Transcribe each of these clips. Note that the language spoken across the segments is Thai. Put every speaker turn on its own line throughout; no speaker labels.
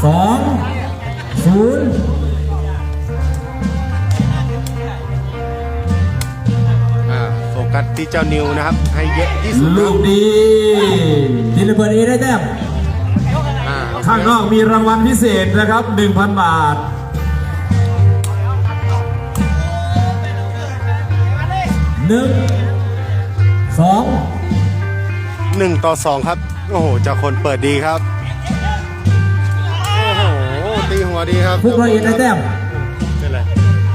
2-0
โฟกัสที่เจ้านิวนะครับให้เยอะที่สุด
ลูกดีทีละเบิร์ดเอได้แต้มข้างนอกมีรางวัลพิเศษนะครับ 1,000 บาท
1-2ครับโอ้โหเจ้าคนเปิดดีครับโอ้โหตีหัวดีครับ
พวกเราเองได้แต้ม
เป็นไร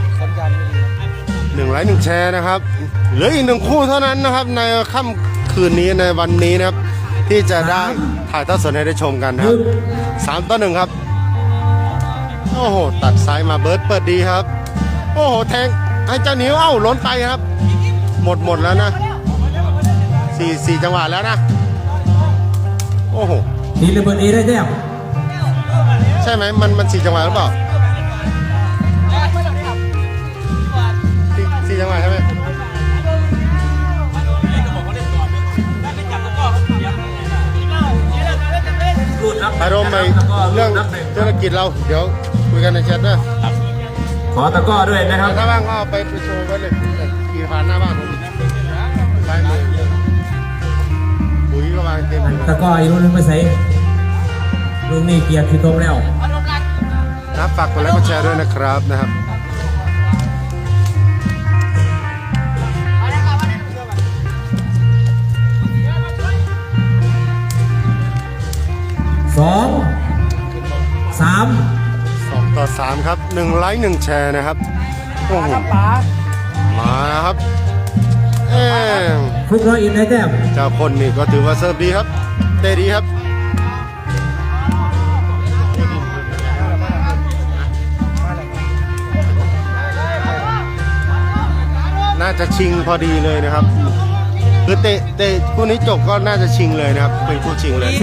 1 ไลค์ 1 แชร์นะครับเหลืออีก1 คู่เท่านั้นนะครับในค่ำคืนนี้ในวันนี้นะครับที่จะได้ถ่ายทอดสดให้ได้ชมกันครับ3-1ครับโอ้โหตัดซ้ายมาเบิร์ดเปิดดีครับโอ้โหแทงให้เจ้านิ้วเอ้าล้นไปครับหมดแล้วนะ4 จังหวะแล้วนะโอ้โห
ทีละเบิร์ดเอได้แต้ม
ใช่ไหมมัน4 จังหวะหรือเปล่า4 จังหวะใช่ไหมอารมณ์ในเรื่องธุรกิจเราเดี๋ยวคุยกันในแชทด้วย
ขอตะก้อด้วยนะครับ
ถ้าว่างก็ไปโชว์ไว้เลยขี่ผ่านหน้าบ้านผมซ้ายมือปุ๋ยก็วางเต็ม
ตะก้ออีกลูกนึงไปใส่ลูกนี้เกียร์ขี้ต้มแล้ว
นะฝากกดไลค์กดแชร์ด้วยนะครับ2-3ครับ1 ไลค์ 1 แชร์นะครับโอ้โหมาครับ
พวกเราอินได้แต้ม
เจ้าคนนี่ก็ถือว่าเซิร์ฟดีครับเตะดีครับน่าจะชิงพอดีเลยนะครับคือเตะคู่นี้จบก็น่าจะชิงเลยนะครับเป็นคู่ชิงเลย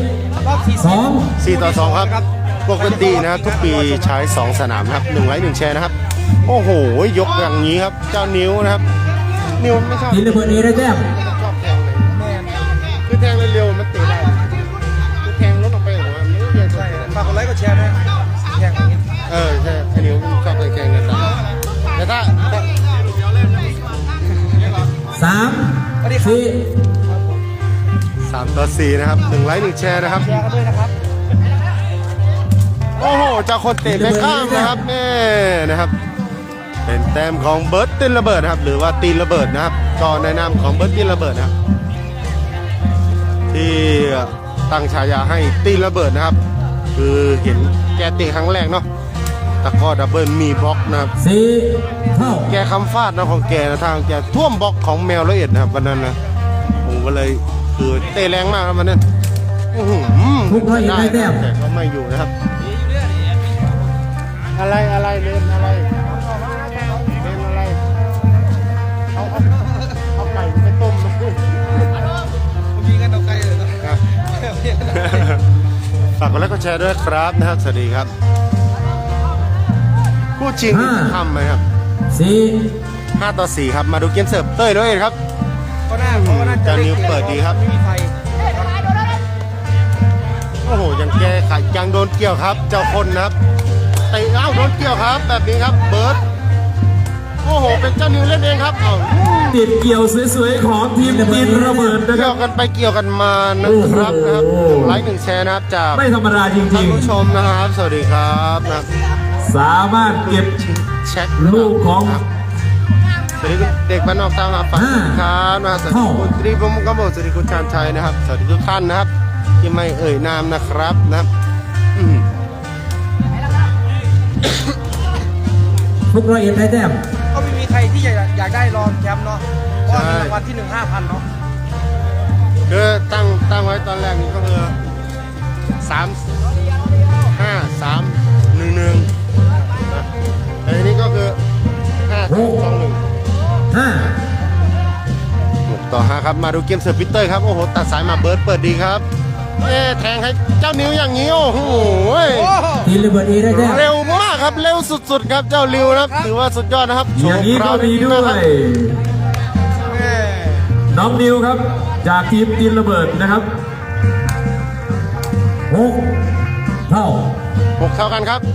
4-2ครับปกตินะครับทุกปีใช้2 สนามครับ1 ไลค์ 1 แชร์นะครับโอ้โหยกอย่างนี้ครับเจ้านิ้วนะครับนิ้วไม่ชอบ
ทีละเบิร์ดเอได้แต้ม
ชอบแทงเลยคือแทงเร็วๆมันเตะได้คือแทงรถออกไปหัวมันไม่เรียนใช่
ฝากกดไลค์กดแชร์นะแทงอย่างนี้
ใช่ไอ้นิ้วชอบแทงกันแต่ถ้า3-4นะครับ1 ไลค์ 1 แชร์นะครับ
แชร์กันด้วยนะครับ
โอ้โหเจ้าคนเตะไปข้ามนะครับนี่นะครับเป็นแต้มของเบิร์ดตีนระเบิดนะครับหรือว่าตีนระเบิดนะครับก็ในนามของเบิร์ดตีนระเบิดนะครับที่ตั้งฉายาให้ตีนระเบิดนะครับคือเห็นแกเตะครั้งแรกเนาะตะก้อดับเบิลมีบล็อกนะครับแกคำฟาดนะของแกนะทางแกท่วมบล็อกของแมวละเอียดนะครับวันนั้นนะผมก็เลยคือเตะแรงมากครับวันนั้นได้แต่ก็ไม่อยู่นะครับอะไรเล่นอะไรเอาไก่ไปต้มนะ
มีเงินเอาไก่เลย
ฝากกดไลค์กดแชร์ด้วยครับนะครับสวัสดีครับคู่ชิงทำไหมครับ5-4ครับมาดูเกมเสิร์ฟเต้ยด้วยครับ
ก็น่าจะ
นิ้วเปิดดีครับ
ไม่มีไฟ
โอ้โหยังแก้ไขยังโดนเกี่ยวครับเจ้าคนนะครับเตะโดนเกี่ยวครับแบบนี้ครับเบิร์ดโอ้โหเป็นเจ้านิวเล่นเองครับ
ติดเกี่ยวสวยๆของทีมตีนระเบิดนะค
เกี่
รั
ยวกันไปเกี่ยวกันมานะครับ1 ไลค์ 1 แชร์นะครับจาก
ไม่ธรรมดาจริงๆท่าน
ผู้ชมนะครับสวัสดีครับนะ
สามารถเก็บ
เช็ค
ลูกของ
สวัสดีเด็กบ้านนอกตามหาฝันครับนะสวัสดีคุณตรีพรหมกมลสวัสดีคุณชาญชัยนะครับสวัสดีทุกท่านนะครับที่ไม่เอ่ยนามนะครับนะ
พวกเราเอ็นได้แต้ม
ก็ไม่มีใครที่อยากได้รองแชมป์เนาะเพราะมีรางวัลที่1 5,000เนาะ
คือตั้งไว้ตอนแรกนี่ก็คือ3-5-3-1-1แต่ทีนี้ก็คือ5-2-1 6-5ครับมาดูเกมเสิร์ฟพิเตอร์ครับโอ้โหตัดสายมาเบิร์ดเปิดดีครับแทงให้เจ้านิ้วอย่างนี้โอ้โห
ทีละเบิร์ดเอได้แต้ม
เร็วมากครับเร็วสุดๆครับเจ้าริวนะครับถือว่าสุดยอดนะครับ
อย่างนี้ก็มีด้วยน้องนิวครับจากทีมตีนระเบิดนะครับ6-5
6เท่ากันครับ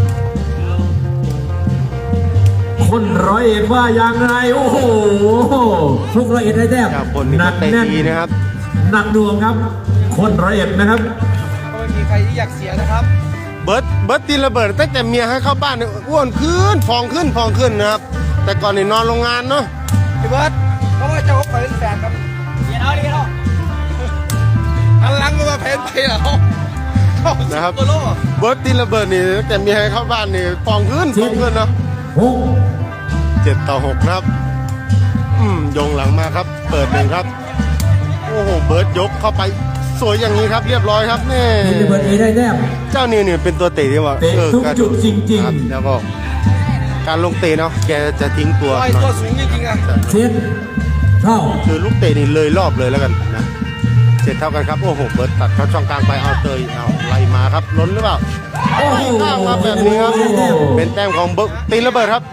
คนร้อยเอ็ดว่ายังไงโอ้โหทุกร้อยเอ็ดได้แต้ม
จากคนนี้
หนั
ก็
ก
เตะ
แน่น
ดีนะครับ
หนักหน่วงครับ คนร้อยเอ็ดนะครับ
ก็ไม่มีใครที่อยากเสียนะครับ
เบิร์ดตีระเบิดตั้งแต่เมียให้เข้าบ้านเนี่ยอ้วนขึ้นฟองขึ้นนะครับ แต่ก่อนนี่นอนโรงงานเนาะ
พี่เบิร์ดเพราะว่าเจ้าเขาเป็นแฟนกันเดี๋ยวเอาหันหลังมาแพนไปเหรอ
นะครับ
ตัวโล
เบิร์ดตีระเบิดนี่ตั้งแต่เมียให้เข้าบ้านนี่ฟองขึ้นเนาะ
หก
7-6นะครับโยงหลังมาครับ เปิดหนึ่งครับ โอ้โหเบิร์ดยกเข้าไปสวยอย่างนี้ครับ เรียบร้อยครับนี่
ทีมระเบิดเอได้แต้ม
เจ้านิวเนี่ยเป็นตัวเตะที่ว่า
เตะทุกจุดจริงๆ
คบแล้วก็การลงเตะเนาะแกจะทิ้งตัว
ไอ
หน่
ตัว
อย
สูงจริงๆอ่ะ
เจ็ดเท่า
คือลูกเตะนี่เลยรอบเลยแล้วกันนะ7เท่ากันครับโอ้โหเบิร์ดตัดเข้าช่องกลางไปเอาเตยเอาไล่มาครับล้นหรือเปล่า
โอ้โห
ข้ามมาแบบนี้ครับเป็นแต้มของเบิร์ดตีระเบิดครับ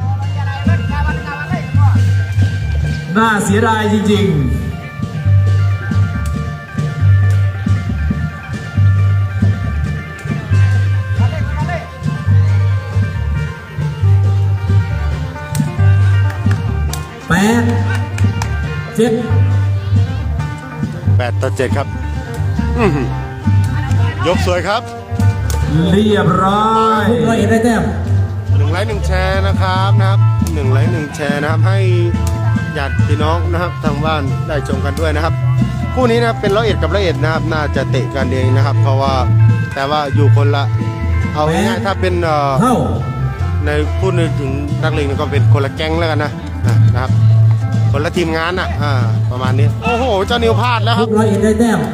น่าเสียดายจริงๆ8
8-7ครับยกสวยครับ
7เรียบร้อยทุกร้อยเอ็ดได้แต้ม
1 ไลค์ 1 แชร์นะครับ1 ไลค์ 1 แชร์นะครับให้ญาติพี่น้องนะครับทางบ้านได้ชมกันด้วยนะครับคู่นี้นะครับเป็น101กับ101นะครับน่าจะเตะกันเองนะครับ เพราะว่าแต่ว่าอยู่คนละเอาง่ายๆถ้าเป็น
เท่า
ในพูดถึงนักเลงก็เป็นคนละแก๊งแล้วกันนะครับคนละทีมงานประมาณนี้โอ้โหเจ้านิวพลาดแล้วค
ทุ
รับ
กร้อยเอ็ดได้แต้ม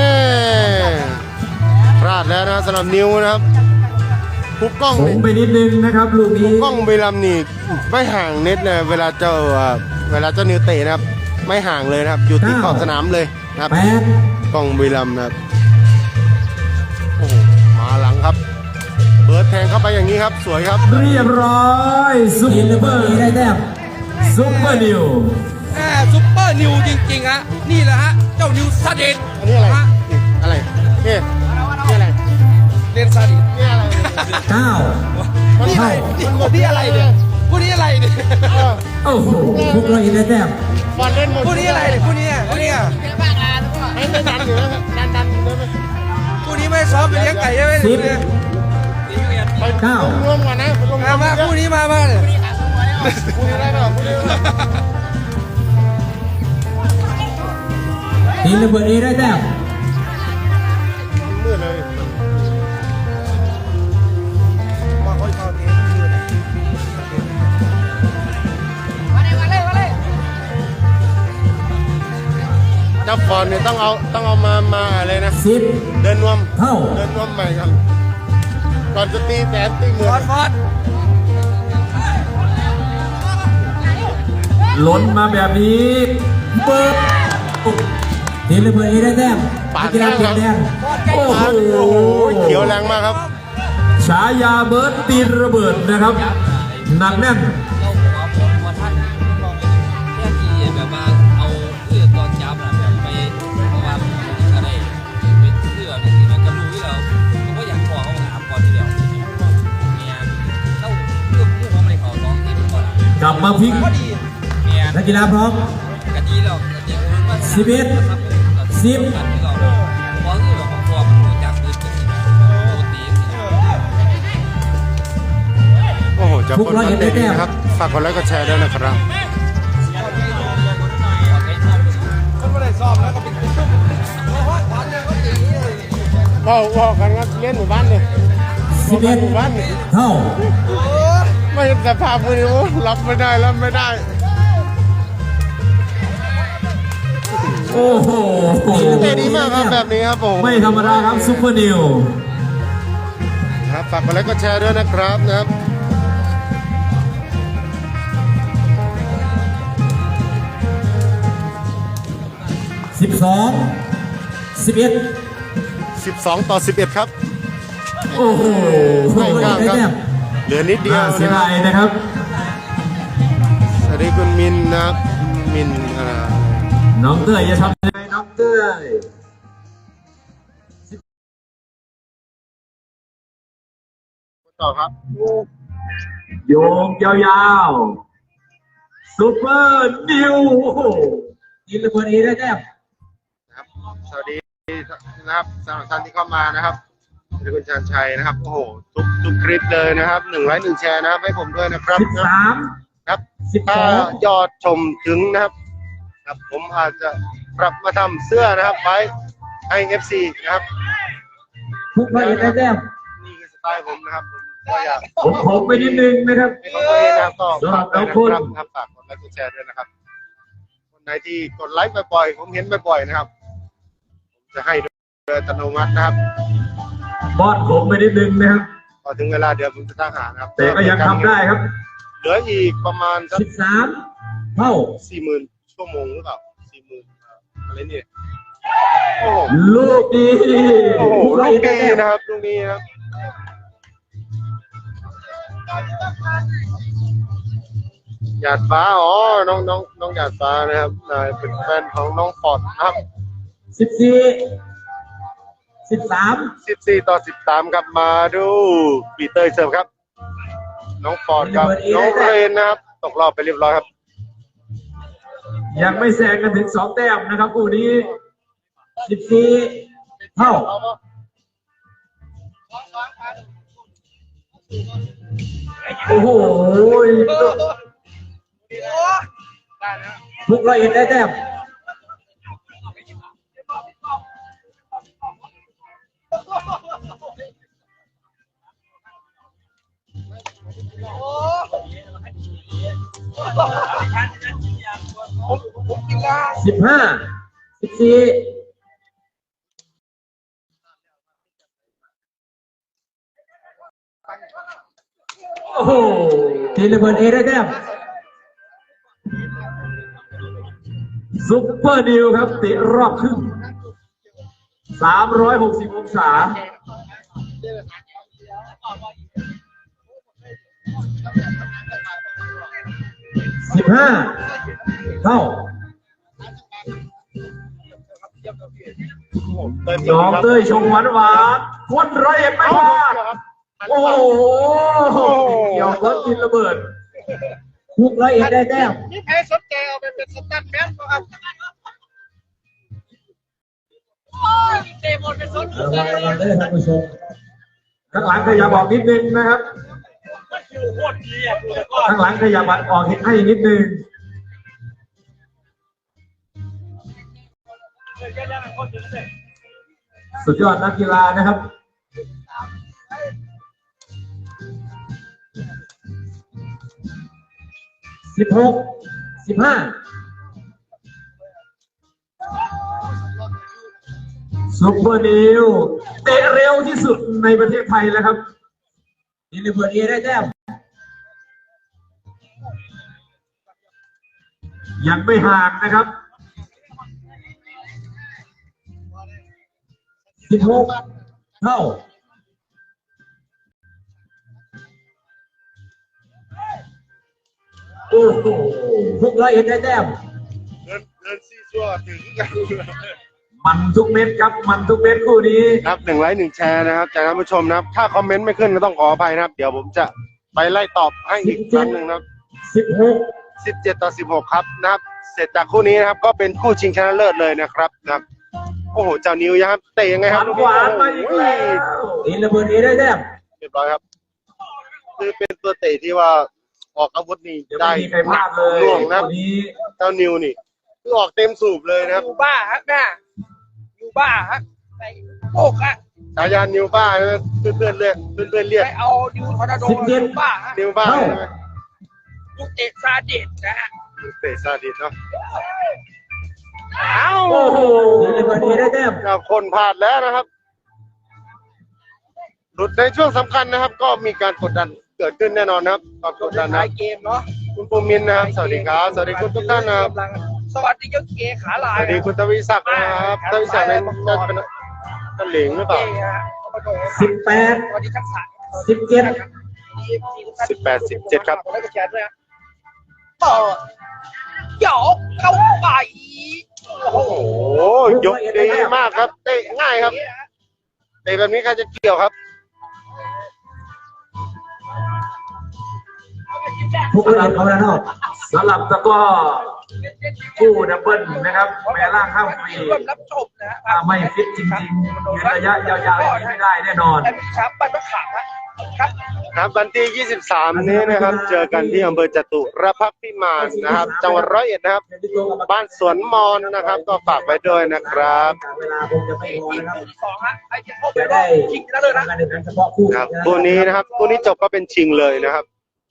พลาดแล้วนะสำหรับนิวนะครับคุกกล้อง
ผ
นี่
มไปนิดนึงนะครับลูกนี้
กล้องบุรีรัมย์นี่ไม่ห่างเน็ตเลยเวลาเจ้านิวเตะนะครับไม่ห่างเลยนะครับอยู่ที่ขอบสนามเลยนะครับ
8
กล้องบุรีรัมย์นะครับโอ้โหมาหลังครับเบิร์ดแทงเข้าไปอย่างนี้ครับสวยครับ
เรียบร้อยซุป
ทีมระ
เป
เบิ
อ
ด
ร์
เอได้แต้ม
ซุปเปอร์นิว
ซุปเปอร์นิวจริงๆฮะนี่แหละฮะเจ้านิวซาดิส
อันนี้อะไรนี่อะไรนี่อะไร
เรียนซาดิส
นี่อะไร
9
นี่อะไรนี่อะไรเนี่ยผู้นี้อะไรเนี่ย
โอ้โหทุกร้อยเอ็ดได้แต้ม
บอลเล่นหมด
ผู้นี้อะไรเนี่ยผู้นี้
ไม่ดันอยู่แล้วดันอยู่แล้ว
ผู้นี้ไม่ซ้อมไปเลี้ยงไก่ใช่ไหม
ไป
9
ร่วมกันนะไปร่วมกัน
มาผู้นี้มาเนี่ย
พูดได้เปล่าพูดได้เปล่า
ทีมระเบิดเอได้แต้ม
มืดเลย
มาค่อยเข้าเทป
เจ้าบอลเนี่ยต้องเอามาอะไรนะ
10
เดินนวม
เท่า
เดินนวมใหม่กันก่อนจะตีแสนตีหมื่
ฟอน ดฟอด
ล้นมาแบบนี้เปิดทีมระเบิดเอได้แต้มนักกีฬาเปลี่ยนแดงโอ้โห
โอ้โหเขียวแรงมากครับ
ฉายาเบิร์ดตีนระเบิดนะครับหนักแน่น
เราขอท่านเรื่องที่แบบว่าเอาเสื้อตอนจับนะแบบไปเพราะว่าอะไรเป็นเสื้อนี่สิมันก็รู้อยู่แล้วผมก็อยากขอเขาถามก่อนทีเดียวเนี่ยเล่าเรื่องผู้ของอะไรเขาร้องที่มันก่อน
กลับมาพลิก
ก็ดี
เนี่ย
นักกีฬาพร้อม
กะดีแล้วกะดีมันว่า
11 10
กันที่เราพอคือแบบพอมันจับปืนกันโคตรดี
โอ้โหจะคนเตะดีนะครับฝากกดไลค์กดแชร์ด้วยนะครับ
คนไม่ได้ซ้อมแล้วก็เป็นตุ้มฟอนเนี่ยก็ตี
ว่ากันครับเล่นหมู่บ้านเนี่ยหมู่บ้านเนี่ย
เท่า
ไม่แต่ภาพมือรับไม่ได้รับไม่ได้
โอ้โห
เตะดีมากครับแบบนี้ครับผม
ไม่ธรรมดาครับซุปเปอร์นิว
ครับฝากกดไลค์กดแชร์ด้วยนะครับนะครับ
12 11
12-11ครับ
โอ้โห
ไม่กล้าครับ
ได้แต้ม
เหลือนิดเดียว
น่าเสีย
นะครั
ดา
บ
ยนะครับ
สวัสดีคุณมินนะครับมิน
น้องเต้ยจะทำยังไงน้องเต้ย
ต่อครับ
โยงยาวๆซุปเปอร์นิวโอ้โหยิงระเบิดเอได้แต้ม
นะครับสวัสดีนะครับสำหรับท่านที่เข้ามานะครับคุณชาญชัยนะครับโอ้โหทุกคลิปเลยนะครับ1 ไลค์ 1 แชร์นะครับให้ผมด้วยนะครับ
13
ครับ
12
ถ้ายอดชมถึงนะครับครับผมอาจจะปรับมาทำเสื้อนะครับไว้ให้ FC นะครับ
ทุกร้อยเอ็ดได้แต้ม
นี่คือสไตล์ผมนะครับผมก็อยาก
ผมไปนิดนึงนะครับ
ให้ของตัวเองนะครับก็ฝากด้วย
ขอบคุณ
นะครับฝากกดไลค์กดแชร์ด้วยนะครับคนไหนที่กดไลค์บ่อยๆผมเห็นบ่อยๆนะครับผมจะให้โดยอัตโนมัตินะครับ
บอดผมไปนิดนึงนะครับ
พอถึงเวลาเดี๋ยวผมจะตั้งหานะครับ
แต่ก็ยังทำได้ครับ
เหลืออีกประมาณสัก
13 เท่า
40,000 ชั่วโมงหรือเปล่า 40,000 อะไรเนี่ยโอ้โห
ลูกดี
โอ้โห
ทุกร้อย
ลู
เอ็
ก
ดได้
นี้
แต้ม
นะครับลูกนี้นะครับหยาดฟ้าอ๋อน้องหยาดฟ้านะครับเป็นแฟนของน้องฟอร์ดนะครับ
14
14-13ครับมาดูปีเตอร์เสิร์ฟครับ น้องฟอร์ดครับน้องเรนนะครับตกรอบไปเรียบร้อยครับ
ยังไม่แซงกันถึง 2 แต้มนะครับคู่นี้ 14 เท่า โอ้โหทุกร้อยเอ็ดได้แต้ม 15 14 โอ้โหทีระเบิดเอได้แต้มซุปเปอร์ดิวครับเตะรอบครึ่ง360 องศา 15 เท่า น้องเต้ยชงหวานคนร้อยเอ็ดไม่พลาดโอ้โหเกี่ยวรถกินระเบิดทุกร้อยเอ็ดได้แต้ม
นี่แพ้สดแกเอาไปเป็นสตันแมนก็เอาเตะบอลเป็นสด
ระวังได้ท่านผู้ชมข้างหลังขยับออกนิดนึงนะครับข้างหลังขยับออกให้นิดนึงสุดยอดนักกีฬานะครับ 16 15 ซุปเปอร์นิวเตะเร็วที่สุดในประเทศไทยแล้วครับนี่ระเบิดเอได้แต้มยังไม่ห่างนะครับ 16 เท่าโอ้โห601ได้แต้ม
เดินซี่ชั่วถึงกัน
มันทุกเม็ดครับมันทุกเม็ดคู่นี้
ครับ1 ไลค์ 1 แชร์นะครับจากท่านผู้ชมนะครับถ้าคอมเมนต์ไม่ขึ้นก็ต้องขออภัยนะครับเดี๋ยวผมจะไปไล่ตอบให้อีกครั้งหนึ่งนะครับ
16
17-16ครับนะครับเสร็จจากคู่นี้นะครับก็เป็นคู่ชิงชนะเลิศเลยนะครับโอ้โหเจ้านิวครับเตะยังไงครับ
หวานมาอีกแล้วนี่ระเบิดเอได้แต้ม
เรียบร้อยครับคือเป็นตัวเตะที่ว่าออกอาวุธนี่
ยัง
ได้
ไม่มีใครพลาดเลย
ล่วงนะครับ
วันนี้
เจ้านิวนี่คือออกเต็มสูบเลยนะครับ
อยู่บ้าฮะแม่อยู่บ้าฮะไปโอกอะ
ฉายานิวบ้าใช่ไหมเพื่อนๆเรียก
ไปเอาดิวทอร์นาโดอยู่บ้าฮะ
นิวบ้าใช่ไหม
ลูกเตะซาดิสนะฮะ
เตะซาดิสเนาะ
โอ้โหนี่ระเบิดเอได้แต้ม
กับคนพลาดแล้วนะครับหลุดในช่วงสำคัญนะครับ ก็มีการกดดันเกิดขึ้นแน่นอนนะครับความกดดันนะ
ท้ายเกมเนาะ
คุณภูมินทร์นะครับสวัสดีครับสวัสดีคุณทุกท่านนะครับ
สวัสดีเจ้าเกขาลา
ส
ย
วัสดีคุณทวีศักดิ์นะครับทวีศักดิ์เป็นตะเหลงหรือเปล่า
18
สวัสดีทั้งสาม
17
18-17ครับ
แล้วก็แชร์ด้วยนะเปิดหยอกเข้าไปโอ้โห
โอ้ยกดีมากครับเตะง่ายครับเตะแบบนี้ใครจะเกี่ยวครับ
ทุกระดับเอาแล้วเนาะสลับตะก้อคู่ดับเบิลนะครับแม่ล่างข้ามฟรี
ร่วมรับชมนะฮะ
ถ้าไม่ฟิตจริงๆยืนระยะยาวๆอย่างนี้ไม่ได้แน่นอน
และมีช้างปันมะขามครับ
ครับวันที่ 23 นี้นะครับ เจอกันที่อำเภอจตุรพักษ์พิมานนะครับ จังหวัดร้อยเอ็ดนะครับ บ้านสวนมอนนะครับ ก็ฝากไว้ด้วยนะครับ
เวลาคงจะไม่พอ
อีก
นะครับ
สองฮะไอ้ที่เข้าไป
จะ
รอ
ได้
บชิงนะเลยนะ
การแข่งขันเฉพาะคู่
ครับคู่นี้นะครับคู่นี้จบก็เป็นชิงเลยนะครับ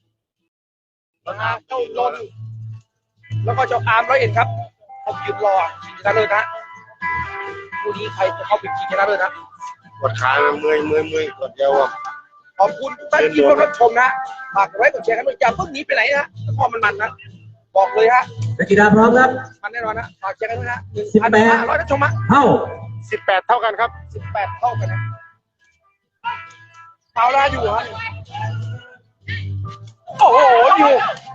เจ้าลนแล้วก็เจ้าอาร์มร้อยเอ็ดครับผมยืนรอชิงนะเลยนะคู่นี้ใครจะเข้าไปชิงนะเลยนะ
กดขาเมื่อยกดเยาวอ่ะ
ขอบคุณทุกท่านที่ร่วมรับชมนะฝากกดไลค์กดแชร์กันด้วยอย่าเพิ่งหนีไปไหนนะพอมันนะบอกเลยฮะ
นักกีฬาพร้อมครับ
มันแน่นอนนะฝากแชร์กันด้วยนะ
18
1,500นะชมฮะ
เข้า
18 เท่ากันครับ
18 เท่ากันนะเอาละอยู่ฮะโอ้โหอยู่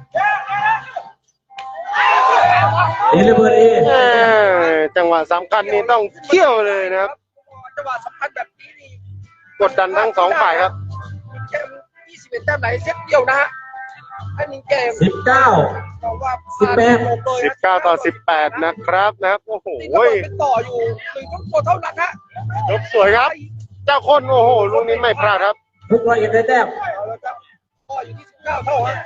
เอเลเบิร์ตเอ
จังหวะสำคัญนี่ต้องเที่ยวเลยนะครับ
จังหวะสำคัญแบบนี้นี่
กดดันทั้งสองฝ่ายครับ
เกม21 แต้มไหนเซตเดียวนะฮะอันนี้เกม
19
แต่ว่า
19 ต่อ 18 นะครับโอ้โห
เป็นต่ออยู่1 ตัวเท่านั้นฮะ
ยกสวยครับ เจ้าคนโอ้โหลูกนี้ไม่พลาดครับ
ทุกร้อยเอ็ดได้แต้ม
เอาละครับก็อยู่ที่19 เท่าฮะ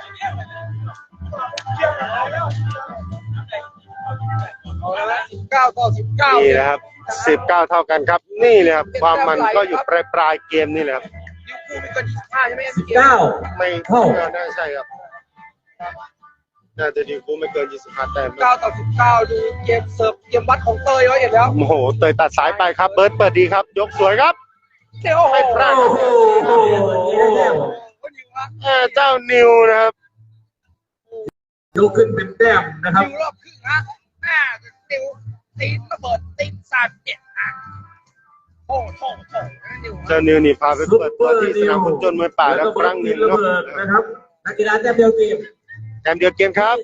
เอาละ19 ต่อ 19
นี่นะครับ 19 เท่ากันครับ นี่เลยครับ ความมันก็อยู่ปลายเกมนี่แหละครับ
ลิเวอร์พูลมีกัน25ใช่ไหม
19
ไม่
เท่า
น่าใช่ครับ น่าจะดีกูไม่เกิน 25 แต้ม
9 ต่อ 19 ดูเกมเสิร์ฟเกมวัดของเตยไว้เห็นแล้ว
โอ้โห เตยตัดสายไปครับ เบิร์ดเปิดดีครับ ยกสวยครับ
เดี๋ยวโอ้โห
ไม่พลาด
โอ้โหได้แต้ม
เจ้านิวนะครับ
ยกขึ้นเป็นแต้มนะครับ
นิวรอบครึ่งฮะนิวตีนระเบิดตีน37ฮะโอ้โหนิว
เจ้านิวนี่พาไปเปิดตัวที่สนามฟุตบอลมวยป่าแล้วครั้งหนึ่ง
ระ
เนาะ
เบิดนะครับนักกีฬาแต้มเดียวเกม
แต้มเดียวเกมครับ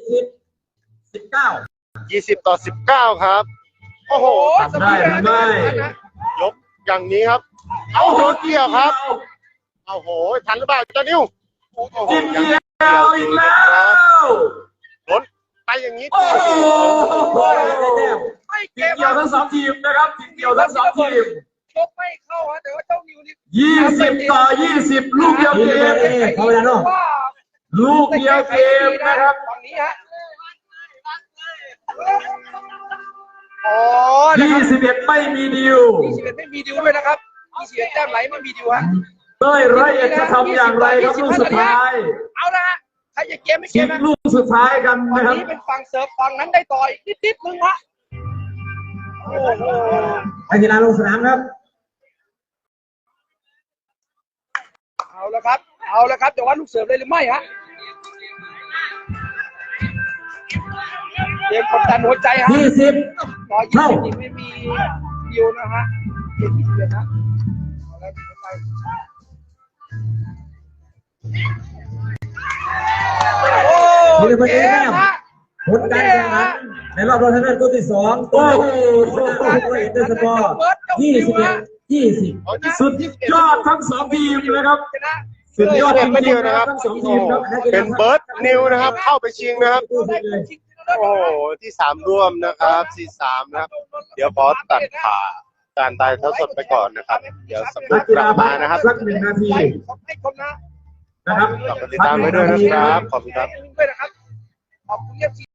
19
20 ต่อ 19 ครับ โอ้โห
ทำได้หรือไม่
ยกอย่างนี้ครับ เอาโหเกี่ยวครับ เอาโหทันหรือเปล่าเจ้านิวโอ้โห
จิมเดียวอีกแล้ว
ล้นไปอย่างนี้
โอ้โหได้แต้ม
ไม่เก
จิม
ม
เดียวทั้งสองทีมนะครับจิมเดียวทั้งสองทีม
ชกไม่เข้าฮะแต่ว่าเจ้านิวนี่
20 ต่อ 20 ลูกเดียวเกม
เขาเวลาเนาะ
ลูกเดียวเกมนะครับ
ฝั่งนี้ฮะอ๋อนะครับ
21 ไม่มีดิว
21ไม่มีดิวด้วยนะครับ21แต้มไหลไม่มีดิวฮะ
เต้ยร้อยเอ็ดจะทำอย่างไรครับลูกสุดท้าย
เอาละฮะใครจะเกมไม่เก
ชิ
ม
ง
นะ
ลูกสุดท้ายกัน
ฝั่ง
นะครับ
นี้เป็นฝั่งเสิร์ฟฝั่งนั้นได้ต่ออีกนิดนึงฮะโอ้โห
นักกีฬาลงสนามครับ
เอาละครับเอาละครับแต่ว่าลูกเสิร์ฟเลยหรือไม่ฮะเกมกดดันหัวใจฮะ
20
120นี่ไม่มีดิวนะฮะเกม21นะเอาละหัวใจโอ้
มีเป็น
เก
แต้
ม
ม
ฮะ
ผลการแข่งขันในรอบรองชนะเลิศคู่ที่2โอ้โหร้อยเอ็ดได้สกอร์21-20 สุดยอดทั้งสองทีมนะครับ
ชนะ
สุดยอดจ
ไม่
ริ
เดี
ง
ยว
ๆนะ
นะ
ค
ค
รั
รั
บบ ทั้งสองทีมครับ
เป็นเบิร์ดนิวนะครับ เข้าไปชิงนะครับ โอ้โห ที่ 3 ร่วมนะครับที่3นะครับ เดี๋ยวขอตัดผ่าการตายเท่าสดไปก่อนนะครับ เดี๋ยวสัก
นักกี
กลั
ฬา
บมานะครับ
สัก1 นาที
ให้ชมนะ
นะครับ
กลับมาติดตามไว้ด้วยนะครับ ขอบคุณครับ
ด้วยนะครับขอบคุณเอฟซี